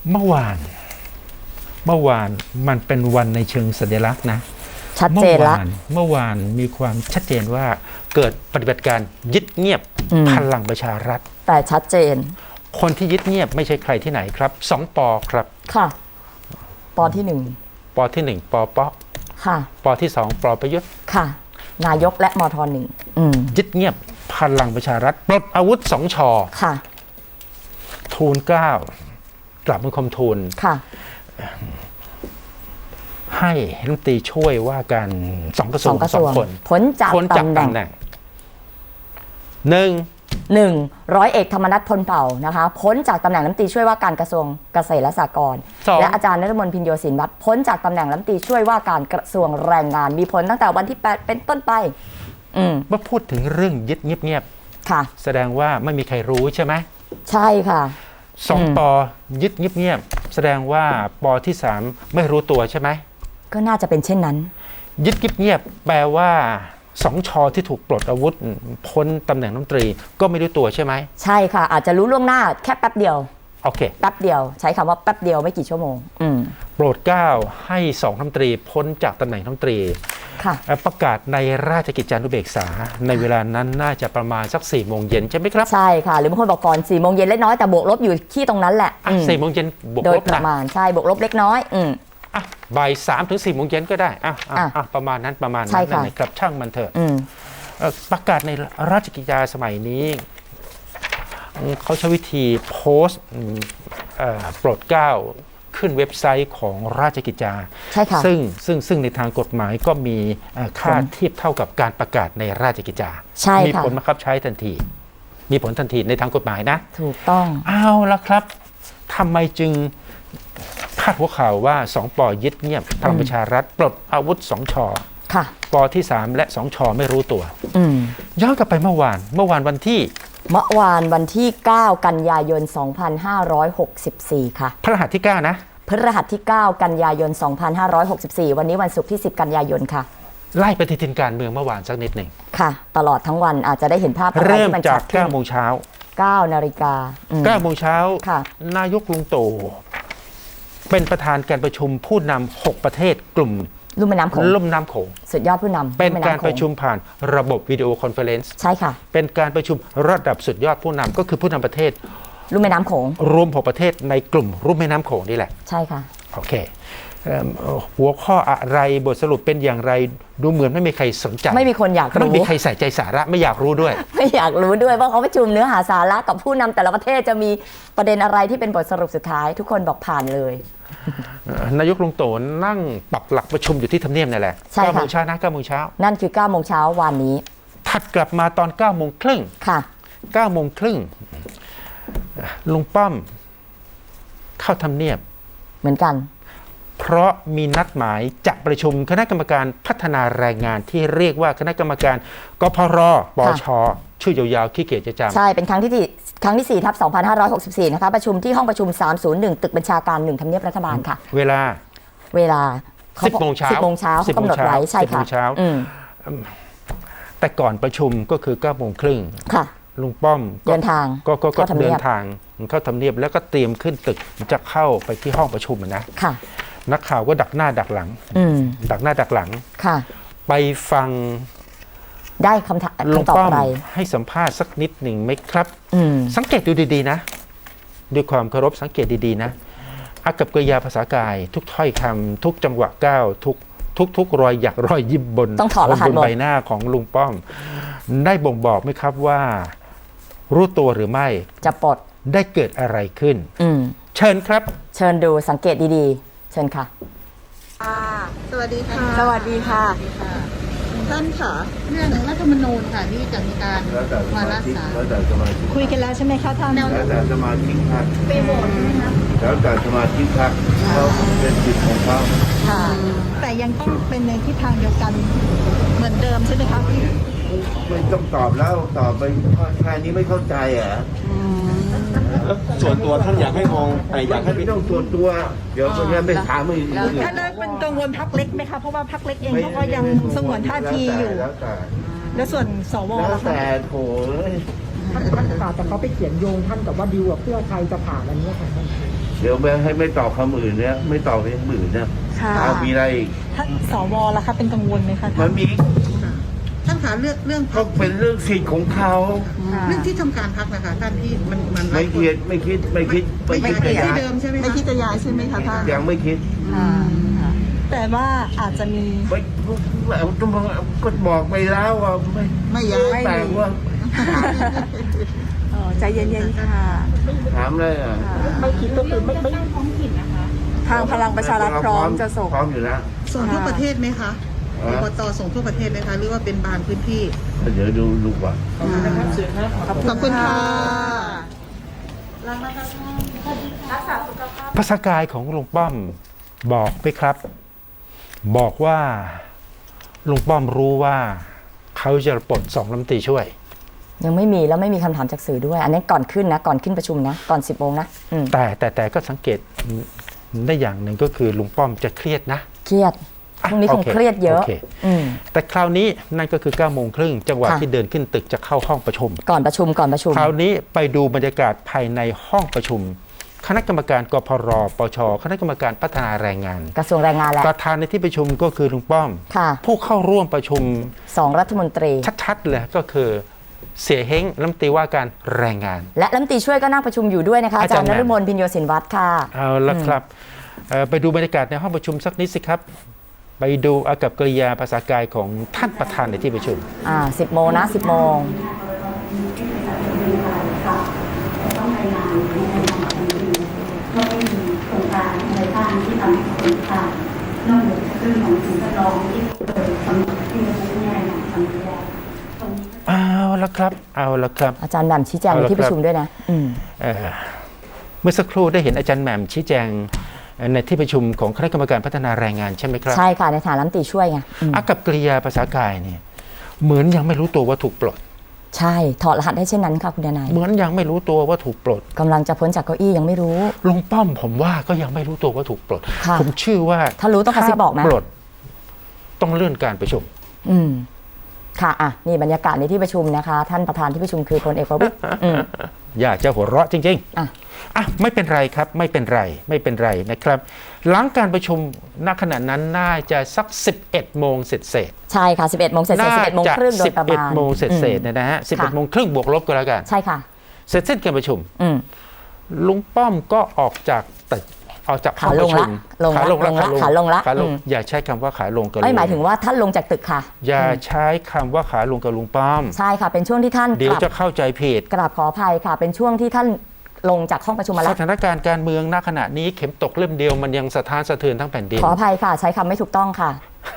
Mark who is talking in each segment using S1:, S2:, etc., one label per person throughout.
S1: เมื่อวานมันเป็นวันในเชิงสัญลักษณ์นะ
S2: ชัดเจนละ
S1: เมื่อวานมีความชัดเจนว่าเกิดปฏิบัติการยึดเงียบพลังประชารัฐ
S2: แต่ชัดเจน
S1: คนที่ยึดเงียบไม่ใช่ใครที่ไหนครับ2 ปอครับ
S2: ค่ะปอที่
S1: ปอที่1ปอป๊อก
S2: ค่ะ
S1: ปอที่2ปอประยุทธ์
S2: ค่ะนายกและมทหนึ่ง
S1: ยึดเงียบพลังประชารัฐปลดอาวุธ2 ชอ
S2: ค่ะ
S1: ทูล 9กลับบังคมทูล
S2: ค่ะ
S1: ให้รัฐมนตรีช่วยว่าการ2 กระทรวง2 คน
S2: พ้นจากตำแหน่งร้อยเอกธรรมนัส พลเผ่านะคะพ้นจากตำแหน่งรัฐมนตรีช่วยว่าการกระทรวงเกษตรและสหกรณ์และอาจารย์ณฤมล พินโยศินวัตรพ้นจากตำแหน่งรัฐมนตรีช่วยว่าการกระทรวงแรงงานมีผลตั้งแต่วันที่8เป็นต้นไป
S1: เมื่อพูดถึงเรื่องยึดเงียบ
S2: ๆค่ะ
S1: แสดงว่าไม่มีใครรู้ใช่ไหม
S2: ใช่ค่ะ
S1: 2 ปอยึดเงียบแสดงว่าปอที่3ไม่รู้ตัวใช่ไหม
S2: ก็น่าจะเป็นเช่นนั้น
S1: ยึดเงียบแปลว่า2 ชอที่ถูกปลดอาวุธพ้นตำแหน่งรัฐมนตรีก็ไม่รู้ตัวใช่ไหม
S2: ใช่ค่ะอาจจะรู้ล่วงหน้าแค่แป๊บเดียว
S1: โอเค
S2: แป๊บเดียวใช้คำว่าแป๊บเดียวไม่กี่ชั่วโมง
S1: โปรดเกล้าให้2 รัฐมนตรีพ้นจากตำแหน่งรัฐมนตรีประกาศในราชกิจจานุเบกษาในเวลานั้นน่าจะประมาณสัก4 โมงเย็นใช่ไหมครับ
S2: ใช่ค่ะหรือบางคนบอกก่อน4 โมงเย็นเล็กน้อยแต่บวกลบอยู่ที่ตรงนั้นแหละ
S1: 4 โมงเย็นบวกลบ
S2: โดยประมาณใช่บวกลบเล็กน้อย
S1: บ่าย 3 ถึง 4 โมงเย็นก็ได้ประมาณนั้นนะครับช่างมันเถอะประกาศในราชกิจจาสมัยนี้เขาใช้วิธีโพสต์โปรดเกล้าขึ้นเว็บไซต์ของราชกิจจาซึ่งในทางกฎหมายก็มีค่าเทียบเท่ากับการประกาศในราชกิจจามีผลบังคับใช้ทันทีมีผลทันทีในทางกฎหมายนะ
S2: ถูกต้อง
S1: เอาละครับทำไมจึงพาดหัวข่าวว่า2 ปอยึดเงียบพลังประชารัฐปลดอาวุธ2 ชอปอที่3และ2 ชอไม่รู้ตัวย้อนกลับไปเมื่อวานวันที่
S2: 9 กันยายน 2564 ค่ะ
S1: พฤหัสที่9นะ
S2: พฤหัสที่9 กันยายน 2564 วันนี้วันศุกร์ที่10 กันยายนค่ะ
S1: ไล่ปฏิทินการเมืองเมื่อวานสักนิดหนึ่ง
S2: ค่ะตลอดทั้งวันอาจจะได้เห็นภาพ
S1: เริ่มจาก9 โมงเช้า
S2: 9 นาฬิก
S1: า9 โมงเช้านายกลุงตู่เป็นประธานการประชุมผู้นำ6 ประเทศกลุ่ม
S2: ลุ่มแม่น้ำโขงสุดยอดผู้นำ
S1: เป็นการประชุมผ่านระบบวิดีโอคอนเฟอเรนซ์
S2: ใช่ค่ะ
S1: เป็นการประชุมระดับสุดยอดผู้นำก็คือผู้นำประเทศ
S2: ลุ่มแม่น้ำโขง
S1: รวม6 ประเทศในกลุ่มลุ่มแม่น้ำโขงนี่แหละ
S2: ใช่ค่ะ
S1: โอเคหัวข้ออะไรบทสรุปเป็นอย่างไรดูเหมือนไม่มีใครสนใจ
S2: ไม่มีคนอยากรู้
S1: ไม่มีใครใส่ใจสาระไม่อยากรู้ด้วย
S2: ไม่อยากรู้ด้วยว่าเขาประชุมเนื้อหาสาระกับผู้นำแต่ละประเทศจะมีประเด็นอะไรที่เป็นบทสรุปสุดท้ายทุกคนบอกผ่านเลย
S1: นายกลุงตู่นั่งปักหลักประชุมอยู่ที่ทำเนียบนั่นแหละ9 โมงเช้านะ9 โมงเช้า
S2: นั่นคือ9 โมงเช้าวันนี้
S1: ถัดกลับมาตอน9 โมงครึ่ง
S2: ค่ะ
S1: 9 โมงครึ่งลุงป้อมเข้าทำเนียบ
S2: เหมือนกัน
S1: เพราะมีนัดหมายจะประชุมคณะกรรมการพัฒนาแรงงานที่เรียกว่าคณะกรรมการกพร.ปช.ชื่อยาวๆขี้เกียจจะจำ
S2: ใช่เป็นครั้งที่ 4/2564 นะคะประชุมที่ห้องประชุม301ตึกบัญชาการ1ทำเนียบรัฐบาลค่ะ
S1: เวลา
S2: 10 โมงเช้า10 โมงเช้ากำหนดไว้ใช่ค่ะ
S1: แต่ก่อนประชุมก็คือ9 โมงครึ่ง
S2: ค่ะ
S1: ลุงป้อม
S2: เดินทาง
S1: ก็เดินทางเข้าทำเนียบแล้วก็เตรียมขึ้นตึกจะเข้าไปที่ห้องประชุมนะ
S2: ค่ะ
S1: นักข่าวก็ดักหน้าดักหลังดักหน้าดักหลัง
S2: ค่ะ
S1: ไปฟัง
S2: ได้คำตอบอะไร
S1: ให้สัมภาษณ์สักนิดหนึ่งไหมครับสังเกตดูดีๆนะด้วยความเคารพสังเกตดีๆนะอากับกริยาภาษากายทุกถ้อยคำทุกจังหวะก้าวทุกรอยหยักรอยยิ้มบนใบหน้าของลุงป้อมได้บ่งบอกไหมครับว่ารู้ตัวหรือไม่
S2: จะปลด
S1: ได้เกิดอะไรขึ้นเชิญครับ
S2: เชิญดูสังเกตดีๆเชิญค่ะ
S3: สวัสดีค่ะ
S2: สวัสดีค่ะ
S3: ท่านค่ะเรื่องรัฐธรรมนูญค่ะที่จะมีการวาระสารคุยกันแล้วใช่ไหมคะท่าน
S4: แล้วแต่สมาชิกพรรคไปโหวตใช่ไหมคะแล้วแต่สมาชิกพรรคเขาเป็นสิทธิ์ของเขา
S3: ค่ะแต่ยังต้องเป็นในทิศทางเดียวกันเหมือนเดิมใช่ไหมคะ
S4: ไม่ต้องตอบแล้วตอบไปแค่นี้ไม่เข้าใจอ่ะ
S5: ส่วนตัวท่านอยากให้มองอยากให้
S4: ไม่ต้องส่วนตัวเดี๋ยวคนนี้ไม่ถามไม่
S3: ท่านเป็นกังวลพรรคเล็กไหมคะเพราะว่าพรรคเล็กเองเขาก็ยังสงวนท่าทีอยู่แล้วส่วนสว
S4: แล้วแต่โถ
S6: ท่านค่ะแต่เขาไปเขียนโยงท่านกับว่าดิวกับเพื่อไทยจะผ่านอันนี้ค่ะท่าน
S4: เดี๋ยวไม่ตอบคำอื่นเนี่ยไม่ตอบเรื่องอื่นเนี่ย
S3: ค่ะ
S4: เอามีอะไรอีก
S3: ท่านสวล่ะคะเป็นกังวลไหมคะ
S4: มันมี
S3: ท่านคะเรื่อง
S4: ก็เป็นเรื่องสิทธิ์ของเขา
S3: เรื่องที่ทำการพักนะคะท่านที่มัน
S4: ไม่คิด
S3: ที่เดิมใช่ไหมคะไม่คิดจะย้ายใช่ไหมคะท่าน
S4: ยังไม่คิด
S3: แต่ว่าอาจจะมี
S4: ไม่ก็บอกไปแล้วว่าไม่ย้ายแต่ว่า
S3: ใจเย็นๆค่ะ
S4: ถามเลยอ่ะ
S6: ไม่คิดก็คือไม่
S3: ทางพลังประชารัฐพร้อมจะส่ง
S4: พร้อมอยู่แล้ว
S3: ส่งทั่วประเทศไหมคะอบตส่งทั่วประเทศไหมคะหรือว่าเป็นบางพื้นที่
S4: เดี๋ยวดูก่อน
S3: ขอบคุณค่ะ
S1: ภาษากายของลุงป้อมบอกไหมครับ บอกว่าลุงป้อมรู้ว่าเขาจะปลด2 รัฐมนตรีช่วย
S2: ยังไม่มีแล้วไม่มีคำถามจากสื่อด้วย อันนี้ก่อนขึ้นนะก่อนขึ้นประชุมนะก่อน 10 โมงนะ
S1: แต่ก็สังเกตได้อย่างหนึ่งก็คือลุงป้อมจะเครียดนะ
S2: เครียดพรุ่งนี้คงเครียดเยอะ
S1: แต่คราวนี้นั่นก็คือ9 โมงครึ่งจังหวะ
S2: ค่ะ
S1: ที่เดินขึ้นตึกจะเข้าห้องประชุม
S2: ก่อนประชุม
S1: คราวนี้ไปดูบรรยากาศภายในห้องประชุม คณะกรรมการกพรปชคณะกรรมการพัฒนาแรงงาน
S2: กระทรวงแรงงานแหละ
S1: ประธานในที่ประชุมก็คือลุงป้อม
S2: ค่ะ
S1: ผู้เข้าร่วมประชุม
S2: 2 รัฐมนตรี
S1: ชัดๆเลยก็คือเสียเฮ้งรัฐมนตรีว่าการแรงงาน
S2: และรัฐมนตรีช่วยก็นั่งประชุมอยู่ด้วยนะคะอาจารย์นฤมลพินโยสินวัฒน์ค่ะ
S1: เอาละครับไปดูบรรยากาศในห้องประชุมสักนิดสิครับ ไปดูอากับกริยาภาษากายของท่านประธานในที่ประชุม
S2: 10 โมงนะ 10 โมง
S1: เอาละครับ
S2: อาจารย์แหม่มชี้แจงในที่ประชุมด้วยนะ
S1: เมื่อสักครู่ได้เห็นอาจารย์แหม่มชี้แจงในที่ประชุมของคณะกรรมการพัฒนาแรงงานใช่ไหมครับ
S2: ใช่ค่ะในฐานะรัฐมนตรีช่วยไง
S1: อากับกริยาภาษากายเนี่ยเหมือนยังไม่รู้ตัวว่าถูกปลด
S2: ใช่ถอดรหัสได้เช่นนั้นค่ะคุณดนาย
S1: เหมือนยังไม่รู้ตัวว่าถูกปลด
S2: กำลังจะพ้นจากเก้าอี้ยังไม่รู้
S1: ลุงป้อมผมว่าก็ยังไม่รู้ตัวว่าถูกปลดผมเชื่อว่า
S2: ถ้ารู้ต้องกระซิบบอกไหม
S1: ปลดต้องเลื่อนการประชุม
S2: ค่ะนี่บรรยากาศในที่ประชุมนะคะท่านประธานที่ประชุมคือพลเอกประวิตร
S1: อยากจะหัวเราะจริงๆไม่เป็นไรครับไม่เป็นไรนะครับหลังการประชุมณขณะนั้นน่าจะสัก11 โมงเสร็จ
S2: ใช่ค่ะ11 โมงเสร็จ11 โมงครึ่งโดยประมาณ
S1: 11 โมงเสร็จนะฮะ11 โมงครึ่งบวกลบก็แล้วกัน
S2: ใช่ค่ะ
S1: เสร็จสิ้นการประชุมลุงป้อมก็ออกจากตึกออกจากห้องประชุม
S2: ขาลงละ
S1: อย่าใช้คำว่าขาลงกับลุง
S2: ไม่หมายถึงว่าท่านลงจากตึกค่ะ
S1: อย่าใช้คำว่าขาลงกับลุงป้อม
S2: ใช่ค่ะเป็นช่วงที่ท่าน
S1: เดี๋ยวจะเข้าใจผิด
S2: กราบขออภัยค่ะเป็นช่วงที่ท่านลงจากห้องประชุมมาแล้ว
S1: สถานการณ์การเมืองณขณะนี้เข็มตกเล่มเดียวมันยังสะท้านสะเทือนทั้งแผ่นดิน
S2: ขออภัยค่ะใช้คำไม่ถูกต้องค่ะ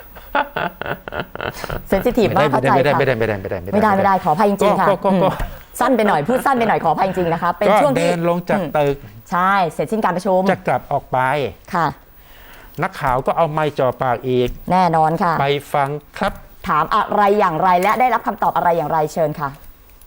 S2: เซนซิทีฟมากเข้าใจค่ะไม่ได้ขออภัยจริงๆค่ะสั้นไปหน่อยพูดสั้นไปหน่อยขออภัยจริงๆนะคะเป็นช่วงที่
S1: เดินลงจากตึก
S2: ใช่เสร็จสิ้นการประชุม
S1: จะกลับออกไป
S2: ค่ะ
S1: นักข่าวก็เอาไมค์จ่อปากอีก
S2: แน่นอนค่ะ
S1: ไปฟังครับ
S2: ถามอะไรอย่างไรและได้รับคำตอบอะไรอย่างไรเชิญค่ะ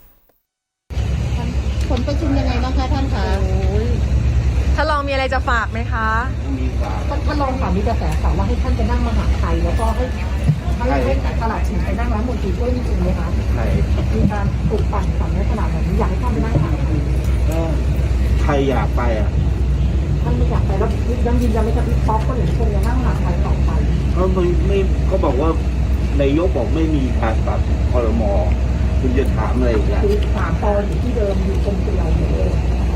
S3: ผลประชุมยังไงบ้างคะท่านคะ
S7: ท่านรองมีอะไรจะฝากไหมคะ
S6: ท่านรองค่ะมีกระแสข่าวว่าให้ท่านไปนั่งมหาไทยแล้วก็ให้ตลาดชิงไปนั่งรัฐมนตรีด้วยจริงไหมคะมีการปลุกปั่นฝันในขนาดแบบนี้อยากให้ท่านไปนั่งมหาไทย
S4: ใครอยากไป
S6: ท่านไม่อยากไปแล้วยังยืนยันไม่กับพี่ป๊อกก็หรือคงจะนั่งมหาไทยต่อไป
S4: เขาบอกว่านายกบอกไม่มีการปรับครม.คุณจะถามอะไรอีก
S6: คือ3 ปอยู่ที่เดิมอยู่กรมเดียวเลย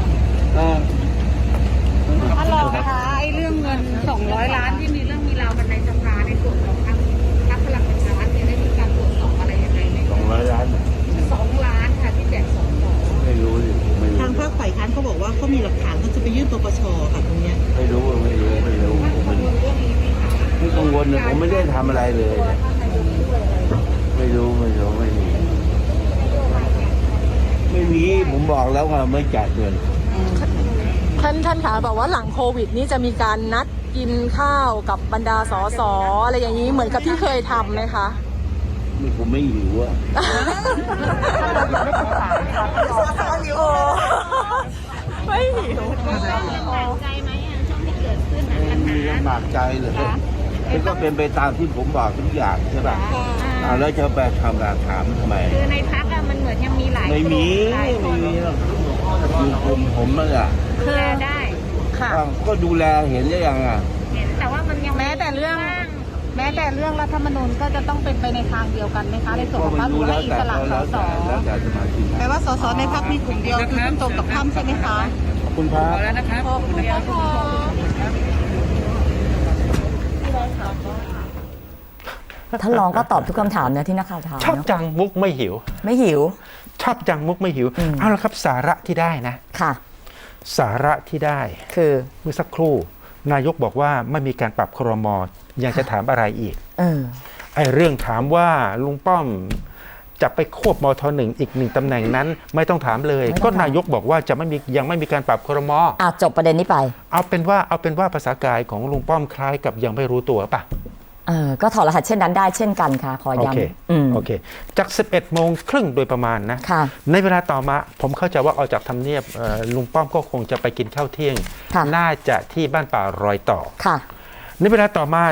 S3: ท่านรองนะคะไอ้เรื่องเงิน200 ล้านที่มีเรื่องมีราวกันในสภาในส่วนของพรรคพลังประชารัฐเนี่ยได้มีการตรวจสอบอะไรยังไงไหม
S4: 200 ล้าน
S3: 2 ล้านค่ะที่แจก2 ต่อ
S4: ไม่รู้
S3: ทางภาคฝ่ายค้านเขาบอกว่าเขามีหลักฐานเขาจะไปยื่นปปชค่ะตรงเนี้ย
S4: ไม่รู้ไม่กังวลเลยผมไม่ได้ทำอะไรเลยไม่รู้ไม่มีผมบอกแล้วว่าไม่จ่ายเงิน
S7: ท่านคะบอกว่าหลังโควิดนี่จะมีการนัดกินข้าวกับบรรดาสสอะไรอย่างนี้เหมือนกับที่เคยทำไหมคะ
S4: ผมไม่หิวอะ
S7: ไม่หิว
S3: ลำบากใจไหมช่วงที่เกิดขึ้นปัญหา
S4: ลำบากใจเลยก็เป็นไปตามที่ผมบอกทุกอย่างใช่ป่ะแล้วจะไปทำการถามทำไม
S3: คือในพักอะมันเหมือนยังมีหลาย
S4: ไม่มี
S3: หลายค
S4: ไม่
S3: น
S4: มีหรอกอยู่ผมนั่นแหละ
S3: ดูแลได้
S7: ค่ะ
S4: ก็ดูแลเห็นได้ยังอ่ะ
S3: เห็นแต่ว่ามันยัง
S7: แม้แต่เรื่องรัฐธรรมนูญก็จะต้องเป็นไปในทางเดียวกันไหมคะในส่วนของพรรคหรือว่าอิสระสส
S4: แล้วแต่สมาชิก
S7: แปลว่าสสในพรรคมีกลุ่มเดียวคือคุณตรงกับค่ำใช่ไหมคะ
S4: ขอบคุณครับ
S7: ขอบคุณค่ะ
S2: ท่านรองก็ตอบทุกคำถามนะที่นักข่าวถาม
S1: ชอบ
S2: เนาะ
S1: จังมุกไม่หิว
S2: ไม่หิว
S1: ชอบจังมุกไม่หิว เอาละครับสาระที่ได้นะ
S2: ค่ะ
S1: สาระที่ได้
S2: คือ
S1: เมื่อสักครู่นายกบอกว่าไม่มีการปรับครม.ยังจะถามอะไรอีก ไอ้เรื่องถามว่าลุงป้อมจะไปควบมท.1อีกหนึ่งตำแหน่งนั้น ไม่ต้องถามเลย
S2: ไม่ต้อง
S1: ก็
S2: ถาม
S1: นายกบอกว่าจะไม่มียังไม่มีการปรับครม.
S2: จบประเด็นนี้ไป
S1: เอาเป็นว่าภาษากายของลุงป้อมคล้ายกับยังไม่รู้ตัวป่ะ
S2: ก็ถอดรหัสเช่นนั้นได้เช่นกันค่ะ ขอ
S1: โอเค
S2: ย้ำ
S1: โอเคจาก 11 โมงครึ่งโดยประมาณนะ
S2: ค่ะ
S1: ในเวลาต่อมาผมเข้าใจว่าออกจากทำเนียบลุงป้อมก็คงจะไปกินข้าวเที่ยง
S2: ค่ะ
S1: น่าจะที่บ้านป่ารอยต่อ
S2: ค่ะ
S1: ในเวลาต่อมา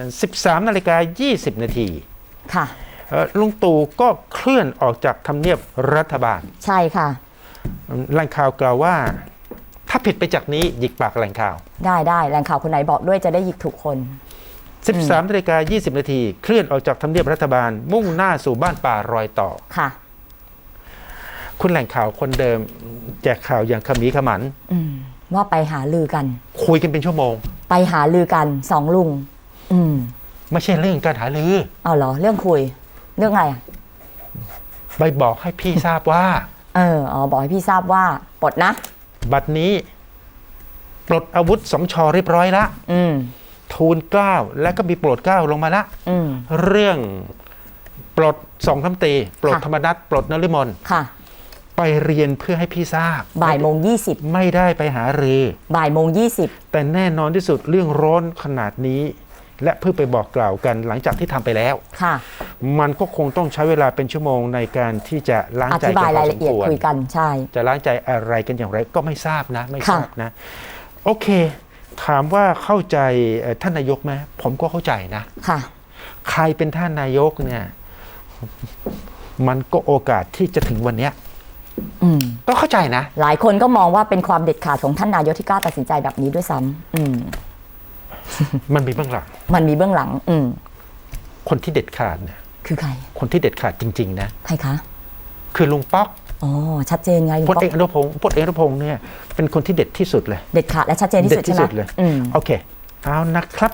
S1: 13:20 นาที
S2: ค่ะ
S1: ลุงตู่ก็เคลื่อนออกจากทำเนียบรัฐบาล
S2: ใช่ค่ะ
S1: แหล่งข่าวกล่าวว่า ถ้าผิดไปจากนี้หยิกปากแหล่งข่าว
S2: ได้แหล่งข่าวคนไหนบอกด้วยจะได้หยิกถูกคน
S1: 13:20 นาทีเคลื่อนออกจากทำเนียบรัฐบาล มุ่งหน้าสู่บ้านป่ารอยต่อ
S2: ค่ะ
S1: คุณแหล่งข่าวคนเดิมแจกข่าวอย่างขมีขมัน
S2: ว่าไปหาลือกัน
S1: คุยกันเป็นชั่วโมง
S2: ไปหาลือกันสองลุง
S1: ไม่ใช่เรื่องการหาลือ
S2: เอาเหรอ เรื่องคุย เรื่องอะไรอ่ะ
S1: ไปบอกให้พี่ทราบว่า
S2: บอกให้พี่ทราบว่าปลดนะ
S1: บัดนี้ปลดอาวุธสมชเรียบร้อยละ ทูลเกล้าและก็มีโปรดเกล้าลงมาละ เรื่องปลดสองคำตีปลด
S2: ค่ะ
S1: ธรรมนัฐปลดนฤมล
S2: ค่ะ
S1: ไปเรียนเพื่อให้พี่ทราบ
S2: บ่ายโมง20
S1: ไม่ได้ไปหารือ
S2: บ่ายโมง20
S1: แต่แน่นอนที่สุดเรื่องร้อนขนาดนี้ และเพื่อไปบอกกล่าวกันหลังจากที่ทำไปแล้ว
S2: ค่ะ
S1: มันก็คงต้องใช้เวลาเป็นชั่วโมงในการที่จะล้าง
S2: อ
S1: ใจ
S2: ธิบาย
S1: กันพ
S2: รา
S1: อย ส
S2: ละ
S1: ม
S2: เอียด
S1: ควร
S2: คุยกันใช่
S1: จะล้างใจอะไรกันอย่างไรก็ไม่ทราบนะ ไม่ทราบ
S2: ค่ะ
S1: นะ โอเค ถามว่าเข้าใจท่านนายกไหมผมก็เข้าใจนะ
S2: ค่ะ
S1: ใครเป็นท่านนายกเนี่ย มันก็โอกาสที่จะถึงวันเนี้ยก็เข้าใจนะ
S2: หลายคนก็มองว่าเป็นความเด็ดขาดของท่านนายกที่กล้าตัดสินใจแบบนี้ด้วยซ้ำ
S1: มันมีเบื้องหลัง
S2: มันมีเบื้องหลัง
S1: คนที่เด็ดขาดเนี่ย
S2: คือใคร
S1: คนที่เด็ดขาดจริงๆนะ
S2: ใครคะ
S1: คือลุงป๊อก
S2: อ๋อ ชัดเจนไงลุง
S1: พล
S2: ป๊อก
S1: เอกอนุพงศ์เนี่ยเป็นคนที่เด็ดที่สุดเลย
S2: เด็ดขาดและชัดเจนที่สุด
S1: เด็ดที่
S2: ใช่ไหม
S1: สุดเลย โอเค เอานะครับ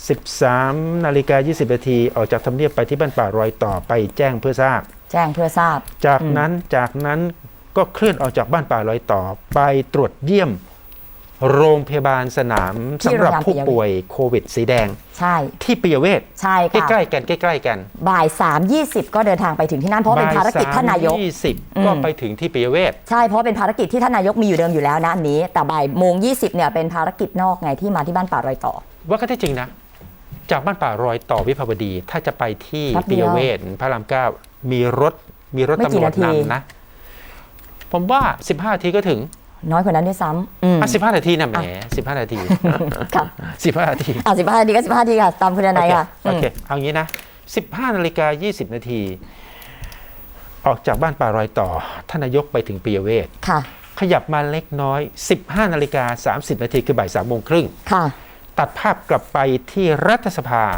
S1: 13:20 นาทีออกจากทำเนียบไปที่บ้านป่ารอยต่อไปแจ้งเพื่อทราบ
S2: แจ้งเพื่อทราบ
S1: จากนั้นก็เคลื่อนออกจากบ้านป่ารอยต่อไปตรวจเยี่ยมโรงพยาบาลสนาม
S2: ที่
S1: สำหรับ
S2: โรงพยาบาล
S1: ผู้ป่วยโควิดสีแดง
S2: ใช่
S1: ที่ปิยเวช
S2: ใช่
S1: ใก
S2: ค่ะ
S1: ล้ๆกัน
S2: บ่าย3:20 ก็เดินทางไปถึงที่นั่นเพราะเป็นภารกิจท่านนายก
S1: 3:20ก็ไปถึงที่ปิยเวช
S2: ใช่เพราะเป็นภารกิจที่ท่านนายกมีอยู่เดิมอยู่แล้วนะอันนี้ แต่บ่ายโมง20เนี่ยเป็นภารกิจนอกไงที่มาที่บ้านป่ารอยต่อ
S1: ว่าก็ได้จริงนะ จากบ้านป่ารอยต่อวิภาวดี ถ้าจะไปที่
S2: แป๊บเดี
S1: ปิ
S2: ย
S1: ยว เวชพระรามเก้ามีรถ
S2: ไม่กี่
S1: ตำรวจ
S2: นาที
S1: นำนะ ผมว่า 15 นาทีก็ถึง
S2: น้อยกว่านั้นด้วยซ้ำ
S1: 15 นาทีนะแหม15 นาที
S2: ครับ
S1: 15 นาที
S2: 15 นาทีก็15 นาทีค่ะ ตามคุณนายค่ะ
S1: โอเค เอางี้นะ 15:20 นาที ออกจากบ้านป่ารอยต่อ ท่านนายกไปถึงปิยเวช
S2: ค่ะ
S1: ขยับมาเล็กน้อย 15:30 นาทีคือบ่าย 3:30
S2: ค่ะ
S1: ตัดภาพกลับไปที่รัฐสภา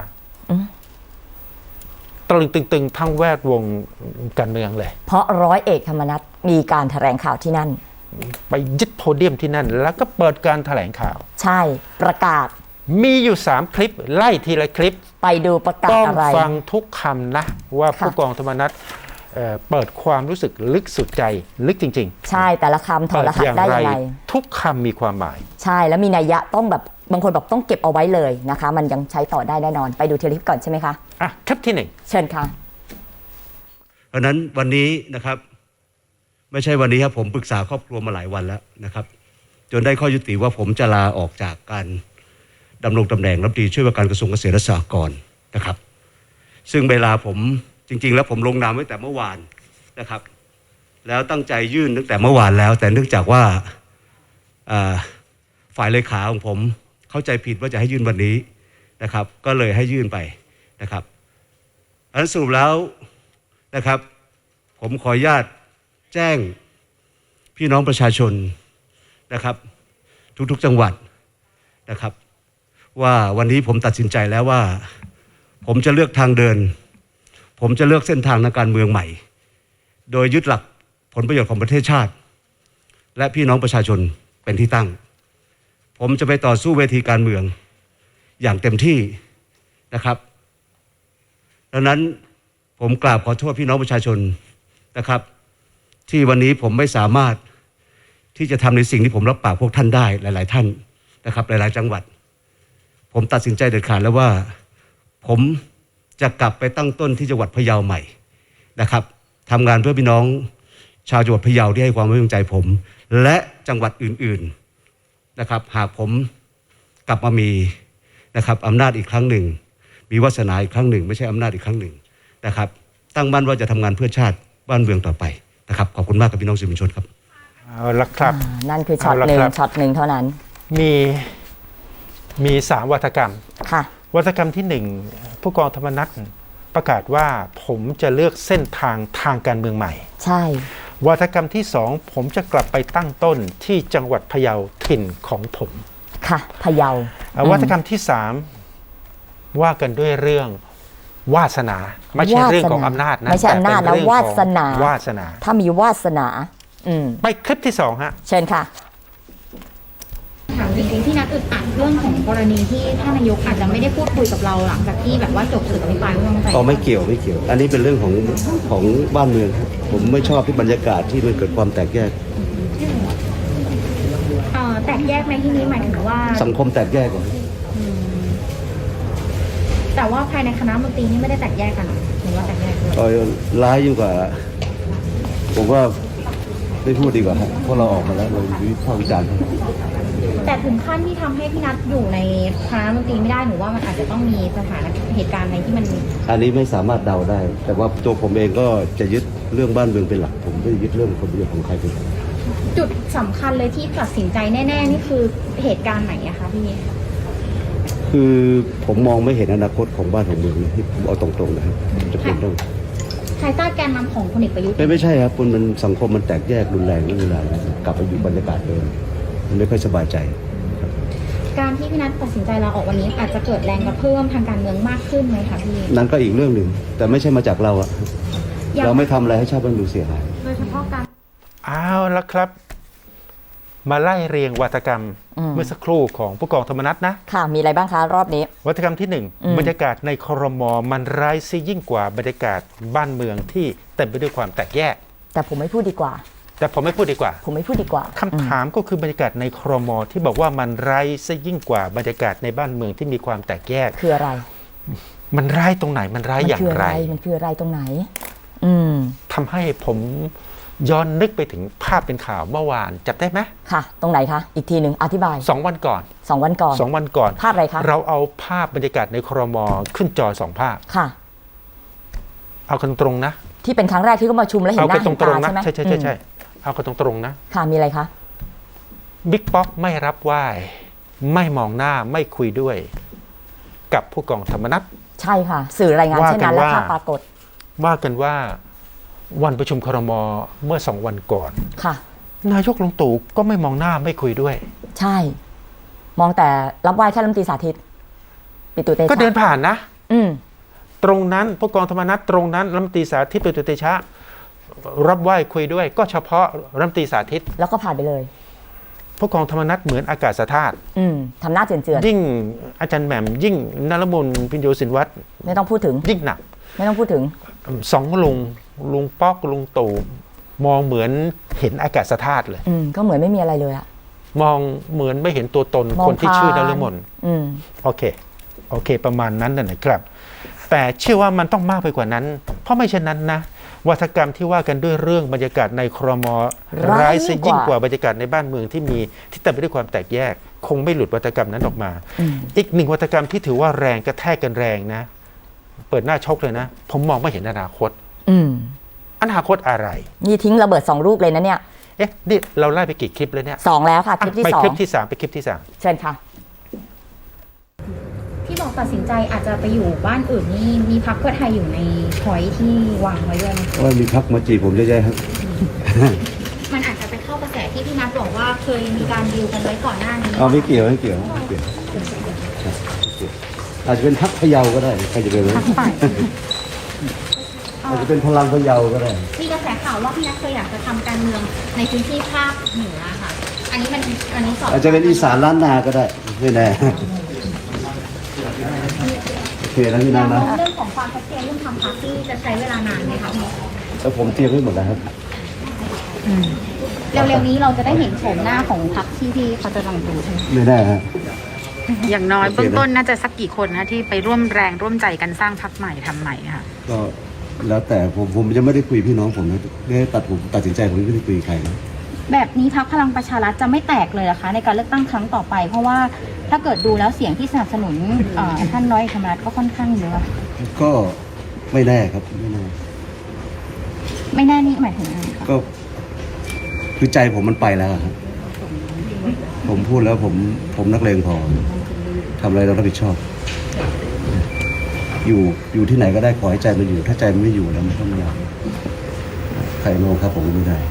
S1: ตะลึงตึงๆ ทั้งแวดวงการเมืองเลย
S2: เพราะร้อยเอกธรรมนัฐมีการแถลงข่าวที่นั่น
S1: ไปยึดโพเดียมที่นั่น แล้วก็เปิดการแถลงข่าว
S2: ใช่ประกาศ
S1: มีอยู่ 3 คลิป ไล่ทีละคลิป
S2: ไปดูประกาศ
S1: ต้อง
S2: อะไร
S1: ฟังทุกคำนะ ว่าผู้กองธรรมนัฐเปิดความรู้สึกลึกสุดใจลึกจริง
S2: ใช่แต่ละคำถ
S1: ๆ
S2: อดรหัสได้ยังไง
S1: ทุกคำมีความหมาย
S2: ใช่แล้วมีนัยยะต้องแบบบางคนบอกต้องเก็บเอาไว้เลยนะคะ มันยังใช้ต่อได้แน่นอน ไปดูเทลิปก่อนใช่ไหมคะ
S1: อ่ะคลิปที่
S2: เชิญค่ะ
S8: เพราะฉะนั้นวันนี้นะครับไม่ใช่วันนี้ครับผมปรึกษาครอบครัวมาหลายวันแล้วนะครับจนได้ข้อยุติว่าผมจะลาออกจากการดำรงตำแหน่งรัฐมนตรีช่วยว่าการกระทรวงเกษตรและสหกรณ์นะครับซึ่งเวลาผมจริงๆแล้วผมลงนามไว้แต่เมื่อวานนะครับแล้วตั้งใจยื่นตั้งแต่เมื่อวานแล้วแต่เนื่องจากว่าฝ่ายเลขาของผมเข้าใจผิดว่าจะให้ยื่นวันนี้นะครับก็เลยให้ยื่นไปนะครับอันสรุปแล้วนะครับผมขออนุญาตแจ้งพี่น้องประชาชนนะครับทุกๆจังหวัดนะครับว่าวันนี้ผมตัดสินใจแล้วว่าผมจะเลือกทางเดินผมจะเลือกเส้นทางทางการเมืองใหม่โดยยึดหลักผลประโยชน์ของประเทศชาติและพี่น้องประชาชนเป็นที่ตั้งผมจะไปต่อสู้เวทีการเมืองอย่างเต็มที่นะครับดังนั้นผมกราบขอโทษพี่น้องประชาชนนะครับที่วันนี้ผมไม่สามารถที่จะทำในสิ่งที่ผมรับปากพวกท่านได้หลายๆท่านนะครับหลายๆจังหวัดผมตัดสินใจเด็ดขาดแล้วว่าผมจะกลับไปตั้งต้นที่จังหวัดพะเยาใหม่นะครับทำงานเพื่อพี่น้องชาวจังหวัดพะเยาที่ให้ความไว้วางใจผมและจังหวัดอื่นๆนะครับหากผมกลับมามีนะครับอำนาจอีกครั้งหนึ่งมีวาสนาอีกครั้งหนึ่งไม่ใช่อำนาจอีกครั้งหนึ่งนะครับตั้งมั่นว่าจะทำงานเพื่อชาติบ้านเมืองต่อไปนะครับขอบคุณมากกับพี่น้องสื่อมวลชนครับ
S1: เอาละครับ
S2: นั่นคือช็อตหนึ่งช็อตหนึ่งเท่านั้น
S1: มี3 วาทกรรม
S2: ค่ะ
S1: วาทกรรมที่ 1ผู้กองธรรมนัสประกาศว่าผมจะเลือกเส้นทางการเมืองใหม่
S2: ใช่
S1: วาทกรรมที่ 2ผมจะกลับไปตั้งต้นที่จังหวัดพะเยาถิ่นของผม
S2: ค่ะพะเยา
S1: วาทกรรมที่ 3ว่ากันด้วยเรื่องวาสนาไม่ใช่เรื่องของอำนาจนะ
S2: ไม่ใช่อำนาจนะวาสนาถ้ามีวาสนา
S1: ไปคลิปที่2ฮะ
S2: เชิญค่ะ
S3: ถามจริงๆที่นัดอึดอัดเรื่องของกรณีที่ท่านนายกอาจจะไม่ได้พูดคุยกับเราหลังจากที่แบบว่าจบศึกอภิปรายไม่ไว้วางใจ
S5: ไม่เกี่ยวอันนี้เป็นเรื่องของบ้านเมืองผมไม่ชอบที่บรรยากาศที่มันเกิดความแตกแยก
S3: แตกแยกในที่นี้หมายถึงว่า
S5: สังคมแตกแยกก่อน
S3: แต่ว่าภายในคณะมนตรีนี่ไม่ได้แตกแยกกันหรือว่าแตกแยกด้วย
S5: ร้ายยิ่งกว่าผมว่าไม่พูดดีกว่าครับเพราะเราออกมาแล้วเราวิพากษ์วิจารณ์
S3: แต่ถึงขั้นที่ทำให้พี่นัทอยู่ในคณะมนตรีไม่ได้หนูว่ามันอาจจะต้องมีสถานเหตุการณ์อะไรที่มัน
S5: อันนี้ไม่สามารถเดาได้แต่ว่าตัวผมเองก็จะยึดเรื่องบ้านเมืองเป็นหลักผมไม่ยึดเรื่องผลประโยชน์ของใครเป็นหลัก
S3: จุดสำคัญเลยที่ตัดสินใจแน่ๆนี่คือเหตุการณ์ไหนอะคะพี่
S5: คือผมมองไม่เห็นอนาคตของบ้านของเมืองที่ผมเอาตรงๆนะครับจะเป็นเรื่อง
S3: ภายใต้แกนนำของพลเอกประยุทธ์
S5: ไม่ใช่ครับมันสังคมมันแตกแยกรุนแรงเวลากลับไปอยู่บรรยากาศเดิมมันไม่ค่อยสบายใจ
S3: การที่พี่นัทตัดสินใจลาออกวันนี้อาจจะเกิดแรงกระเพื่อมทางการเมืองมากขึ้นไหมคะพี่
S5: นั่นก็อีกเรื่องหนึ่งแต่ไม่ใช่มาจากเราอะเราไม่ทำอะไรให้ชาติบ้านเมืองเสียหาย
S3: โดยเฉพาะการ
S1: เอาละครับมาไล่เรียงวาทกรรมเมื่อสักครู่ของผู้กองธรรมนัสนะ
S2: ค่ะมีอะไรบ้างคะรอบนี้
S1: วาทกรรมที่1บรรยากาศในครม.มันร้ายซิยิ่งกว่าบรรยากาศบ้านเมืองที่เต็มไปด้วยความแตกแยก
S2: แต่ผมไม่พูดดีกว่า
S1: คำถามก็คือบรรยากาศในครม.ที่บอกว่ามันร้ายซิยิ่งกว่าบรรยากาศในบ้านเมืองที่มีความแตกแยก
S2: คืออะไร
S1: มันร้ายตรงไหนมันร้ายอย่างไร
S2: มันคืออะไรตรงไหน
S1: ทำให้ผมย้อนนึกไปถึงภาพเป็นข่าวเมื่อวานจับได้ไหม
S2: ค่ะตรงไหนคะอีกทีหนึ่งอธิบาย
S1: 2 วันก่อน
S2: 2 วันก่อนภาพอะไรคะ
S1: เราเอาภาพบรรยากาศในครม.ขึ้นจอ2 ภาพ
S2: ค่ะ
S1: เอากันตรงนะ
S2: ที่เป็นครั้งแรกที่เขามาชุมแล้วเห็นหน้าเห็นตาใช่ไหม
S1: ใช่เอากันตรงนะ
S2: ค่ะมีอะไรคะ
S1: บิ๊กป๊อกไม่รับไหว้ไม่มองหน้าไม่คุยด้วยกับผู้กองธรรมนัส
S2: ใช่ค่ะสื่อรายงานเช่นนั้นและภาพปรากฏ
S1: ว่ากันว่าวันประชุมครม.เมื่อ2 วันก่อน
S2: ค่ะ
S1: นายกลุงตู่ก็ไม่มองหน้าไม่คุยด้วย
S2: ใช่มองแต่รับไหว้แค่รัฐมนตรีสาธิตปิตุเตชะ
S1: ก็เดินผ่านนะตรงนั้นผู้กองธรรมนัสตรงนั้นรัฐมนตรีสาธิตปิตุเตชะรับไหว้คุยด้วยก็เฉพาะรัฐมนตรีสาธิต
S2: แล้วก็ผ่านไปเลย
S1: ผู้กองธรรมนัสเหมือนอากาศธาตุ
S2: ทำหน้าเจือน
S1: ยิ่งอาจารย์แหม่มยิ่งนฤมลพิญโยสินวัตร
S2: ไม่ต้องพูดถึง
S1: ยิ่งหนัก
S2: ไม่ต้องพูดถึง
S1: 2 ลุงป๊อกลุงตู่มองเหมือนเห็นอากาศธาตุเลย
S2: ก็เหมือนไม่มีอะไรเลยอะ
S1: มองเหมือนไม่เห็นตัวตนคนที่ชื่อนฤมลโอเคประมาณนั้นนะครับแต่เชื่อว่ามันต้องมากไปกว่านั้นเพราะไม่เช่นนั้นนะวาทกรรมที่ว่ากันด้วยเรื่องบรรยากาศในครม.ร้ายซิยิ่งกว่าบรรยากาศในบ้านเมืองที่เต็มไปด้วยความแตกแยกคงไม่หลุดวาทกรรมนั้นออกมาอีก1วาทกรรมที่ถือว่าแรงกระแทกกันแรงนะเปิดหน้าชกเลยนะผมมองไม่เห็นอนาคตอนาคตอะไร
S2: นี่ทิ้งระเบิด2 ลูกเลยนะเนี่ย
S1: นี่เราไล่ไปกี่คลิปแล้วเนี่ย
S2: 2แล้วค่ะคลิปที่2
S1: ไปคลิปที่3เชิญค่ะ
S3: ที่บอก
S9: ตัดสินใจอาจจะไปอยู่บ้านอื่นนี่มีพรรคเพื่อไทยอยู่ในพอยที่วางไว้ด้วยไหม
S5: ว่ามีพักมาจีบผมเยอะแยะครับ
S9: มันอาจจะไปเข้ากระแสที่พี่นัทบอกว่าเคยมีการดีลกันไว้ก่อนหน้านี้
S5: ไม่เกี่ยวอาจจะเป็นพักพะเยาก็ได้ใครจะไปรู้ อาจจะเป็นพลังพะเยาก็ได้
S9: มีกระแสข่าวว่าพี่นัทเคยอยากจะทำการเมืองในพื้นที่ภาคเหนือค่ะ อันนี้สอบ
S5: อาจจะเป็นอีสานล้านนาก็ได้ไม่แน่โอเคนะพี่นางนะ
S9: เรื่องของความชัดเจนเรื่องทำพรรคที่จะใช้เวลานานไหมคะพี่
S5: แล้วผมเตรียมไว้หมดแล้วครับ
S9: เร็วๆนี้เราจะได้เห็นโฉมหน้าของพรรคที่พี่เขาจะลองดูใช่ไหม
S5: ไม่ได้ฮะ
S3: อย่างน้อยเบื้องต้นน่าจะสักกี่คนนะที่ไปร่วมแรงร่วมใจกันสร้างพรรคใหม่ทำใหม่ค่ะ
S5: ก็แล้วแต่ผมยังไม่ได้คุยพี่น้องผมนะไม่ได้ตัดสินใจผมไม่ได้คุยกับใครนะ
S9: แบบนี้พรรคพลังประชารัฐจะไม่แตกเลยเหรอคะในการเลือกตั้งครั้งต่อไป เพราะว่าถ้าเกิดดูแล้วเสียงที่สนับสนุนท่านร้อยเอกธรรมนัฐก็ค่อนข้างเยอะ
S5: ก็ไม่แน่ครับไม่แน่
S9: ไม่แน่นี่หมายถึงอะไรคะ
S5: ก็คือใจผมมันไปแล้วอะครับผมพูดแล้วผมนักเลงพอทำอะไรเรารับผิดชอบ อยู่ที่ไหนก็ได้ขอให้ใจมันอยู่ ถ้าใจมันไม่อยู่แล้วมันก็ไม่ได้ใครโลงครับผมไม่ได้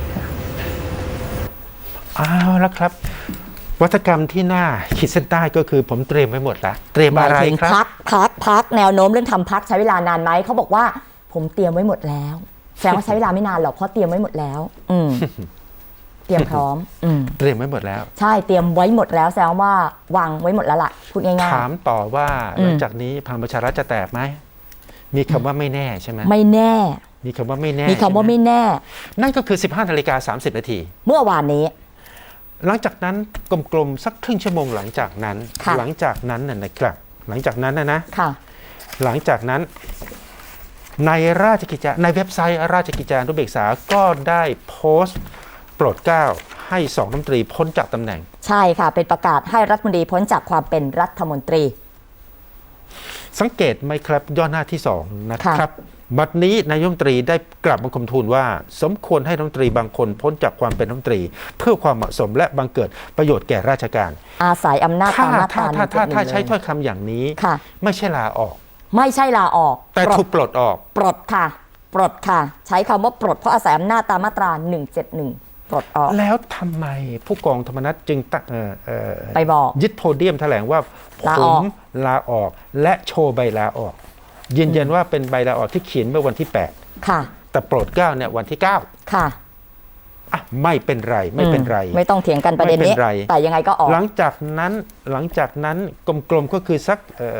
S1: เอาละครับ วัฒกรรมที่น่าขีดเส้นใต้ก็คือผมเตรียมไว้หมดแล้วเตรียมอะไรครับ
S2: พักแนวโน้มเรื่องทำพักใช้เวลานานไหมเขาบอกว่าผมเตรียมไว้หมดแล้วแสดงว่าใช้เวลาไม่นานหรอกเพราะเตรียมไว้หมดแล้ว เตรียมพร้อม
S1: เตรียมไว้หมดแล้ว
S2: ใช่เตรียมไว้หมดแล้วแสดงว่าวางไว้หมดแล้วล่ะพูดง่ายๆ
S1: ถามต่อว่าหลังจากนี้พลังประชารัฐจะแตกไหมมีคำว่าไม่แน่ใช่ไหม
S2: ไม่แน่
S1: มีคำว่าไม่แน่
S2: มีคำว่าไม่แน่
S1: นั่นก็คือ 15:30 นาที
S2: เมื่อวานนี้
S1: หลังจากนั้นกลมๆสักครึ่งชั่วโมงหลังจากนั้นนะครับหลังจากนั้นนะหลังจากนั้นนะหลังจากนั้นในราชกิจจาในเว็บไซต์ราชกิจจานุเบกษาก็ได้โพสต์โปรดเกล้าให้2รัฐมนตรีพ้นจากตำแหน่ง
S2: ใช่ค่ะเป็นประกาศให้รัฐมนตรีพ้นจากความเป็นรัฐมนตรี
S1: สังเกตไหมครับย่อหน้าที่2นะครับบัดนี้นายกรัฐมนตรีได้กลับบังคมทูลว่าสมควรให้รัฐมนตรีบางคนพ้นจากความเป็นรัฐมนตรีเพื่อความเหมาะสมและบังเกิดประโยชน์แก่ราชการ
S2: อาศัยอำนาจตามมาตรา
S1: ถ้าใช้ถ้อยคำอย่างนี้ไม่ใช่ลาออก
S2: ไม่ใช่ลาออก
S1: แต่ถูกปลดออก
S2: ปลดค่ะปลดค่ะใช้คำว่าปลดเพราะอาศัยอำนาจตามมาตรา171ปลดออก
S1: แล้วทำไมผู้กองธรรมนัสจึง
S2: ไปบอก
S1: ยึดโพเดียมแถลงว่าผมลาออกและโชว์ใบลาออกยืนยันว่าเป็นใบลาออกที่เขียนเมื่อวันที่8
S2: ค่ะ
S1: แต่โปรดเกล้าเนี่ยวันที่9
S2: ค่ะ
S1: ไม่เป็นไรไม่เป็นไร
S2: ไม่ต้องเถียงกันประเด็นนี้แต่ยังไงก็ออก
S1: หลังจากนั้นกลมๆก็คือสัก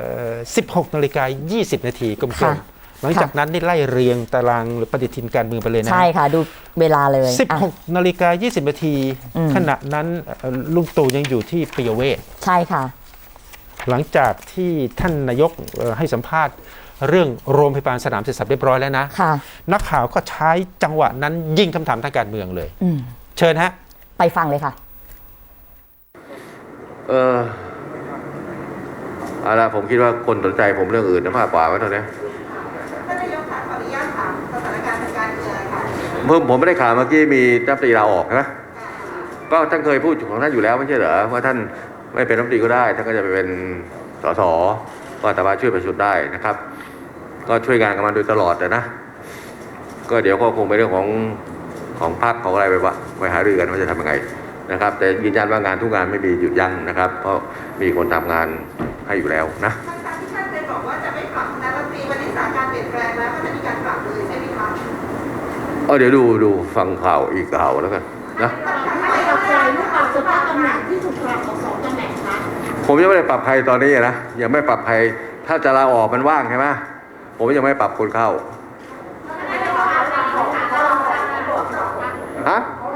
S1: 16:20 นาทีกลมๆหลังจากนั้นนี่ไล่เรียงตารางหรือปฏิทินการเมืองไปเลยนะ
S2: ใช่ค่ะดูเวลาเลย
S1: 16:20 นาทีขณะนั้นลุงตู่ยังอยู่ที่ปิยเวท
S2: ใช่ค่ะ
S1: หลังจากที่ท่านนายกให้สัมภาษณ์เรื่องโรงพยาบาลสนามเสร็จสับเรียบร้อยแล้วนะนักข่าวก็ใช้จังหวะนั้นยิงคำถามทางการเมืองเลยเชิญฮะ
S2: ไปฟังเลยค่ะ
S10: เอาละผมคิดว่าคนสนใจผมเรื่องอื่นมากกว่าไว้ตอนนี้
S6: ท่านนายกขออนุญาตถามสถานการณ์ทางการเมืองค่ะ
S10: ผมไม่ได้ข่าวเมื่อกี้มีรัฐมนตรีลาออกนะก็ท่านเคยพูดของท่านอยู่แล้วไม่ใช่เหรอว่าท่านไม่เป็นรัฐมนตรีก็ได้ท่านก็จะไปเป็นสสก็สามารถช่วยประชุมได้นะครับก็ช่วยงานกันมาโดยตลอดนะก็เดี๋ยวก็คงเป็นเรื่องของพรรคของอะไรไปหารือกันว่าจะทำยังไงนะครับแต่ยืนยันว่างานทุกงานไม่มีหยุดยั้งนะครับเพราะมีคนทำงานให้อยู่แล้วนะ
S6: ท่านเคยบอกว่าจะไม่ปรับคณะรัฐมนตรีวันนี้สถานการณ์เปลี่ยนแปลงแล้วก็จะมีการปรับเลยใช่ไหมคะ
S10: เดี๋ยวดูฟังข่าวอีกข่าวแล้วกันนะผมยังไม่ได้ปรับใครตอนนี้นะยังไม่ปรับใครถ้าจะลาออกมันว่างใช่ไหมผมยังไม่ปรับคนเข้าฮะ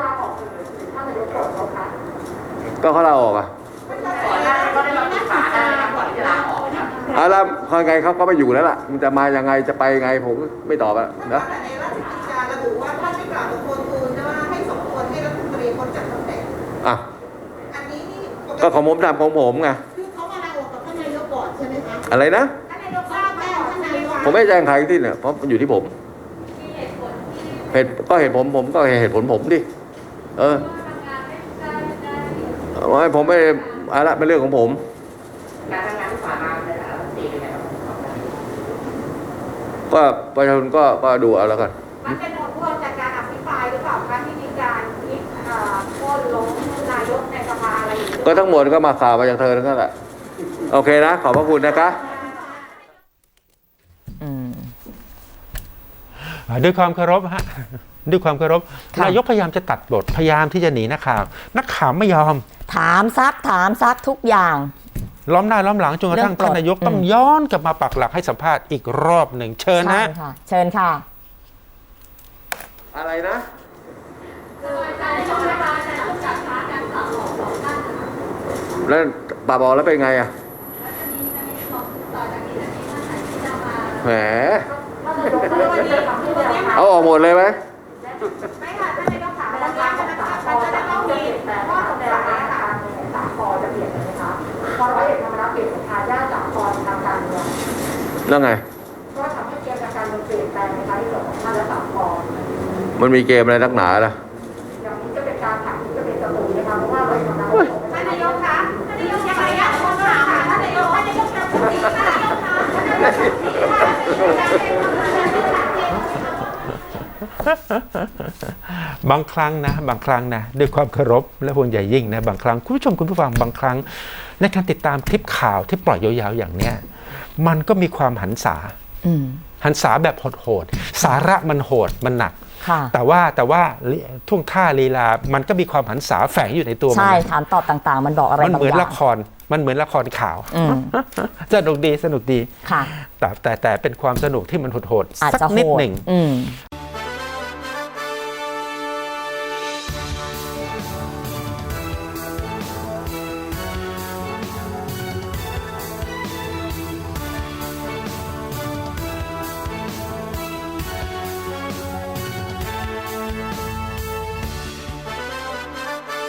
S10: ก็เขาลาออกแล้วคนไงเขาก็ไม่อยู่แล้วล่ะมันจะมายังไงจะไปยังไงผมไม่ตอบแล้วนะ
S6: ระบุว่าท่านไม่กล่าวกับคนอื่นว่าให้สมควรให้รัฐมนตรีพ้นจากตำแหน่งอันนี้นี่
S10: ก็ของผมทำของผมไง
S6: คือเขามาลาออกกับท่านนายกก่อนใช่ไหมคะ
S10: อะไรนะผมไม่แจ้งใครที่เนี่ยเพราะมันอยู่ที่ผมเหตุผมก็เหตุผลผมดิผมไม่อะไรเป็นเรื่องของผม
S6: การทำงานที่ผ่านมาเป็นอะไร
S10: ก็ประชาชนก็ดูเอาแล้วกัน
S3: มันเป็นผลพวงจากการอภิปรายหรือเปล่าคะที่มีการคิดโค่นล้มนายกในสภาอะไรอย่างนี้
S10: ก็ทั้งหมดก็มาข่าวมาจากเธอทั้งนั้นแหละโอเคนะ ขอบพระคุณนะคะ
S1: ด้วยความเคารพฮะด้วยความเคารพนายกพยายามจะตัดบทพยายามที่จะหนีนักข่าวไม่ยอม
S2: ถามซักทุกอย่าง
S1: ล้อมหน้าล้อมหลังจนกระทั่งท่านนายกต้องย้อนกลับมาปักหลักให้สัมภาษณ์อีกรอบหนึ่งเชิญนะ
S2: เชิญค่ะ
S10: อะไรนะแล้วป่าบอกแล้วเป็นไงอ่ะแหมเอาออกหมดเลยไหม
S3: ไม่ค่ะท่านนายกถามแล้วว่ามันจะต้องมีข้อสงสัยค่ะสามปอจะเปลี่ยนไหมคะพอร้อยเอกธรรมนัสเปลี่ยนเป็นทายาทสามปอทางการเมือง
S10: แล้วไง
S3: ก็ทำให้เกมการเมืองเปลี่ยนแปลงในการที่ส่วนของท่านและสามปอ
S10: มันมีเกมอะไรนักหนาล่ะ
S3: อย่างนี้จะเป็นการถามที่จะเป็นศัตรูนะคะเพราะว่าร้อยเอกธรรมนัสท่านนายกคะท่านนายกยังไงอ่ะคนถามท่านนายกจะพูดดีท่านนายกคะ
S1: บางครั้งนะด้วยความเคารพและห่วงใยยิ่งนะบางครั้งคุณผู้ชมคุณผู้ฟังบางครั้งในการติดตามคลิปข่าวที่ปล่อยยาวๆอย่างเนี้ยมันก็มีความหันษาแบบโหดๆสาระมันโหดมันหนักแต่ว่าท่วงท่าลีลามันก็มีความหันษาแฝงอยู่ในตัวมัน
S2: ใช่ถามตอบต่างๆมันบอกอะไรบางอย่างมันเหมือนละ
S1: ครข่าวสนุกดีค่ะแต่เป็นความสนุกที่มันโหดๆสักนิดหนึ่ง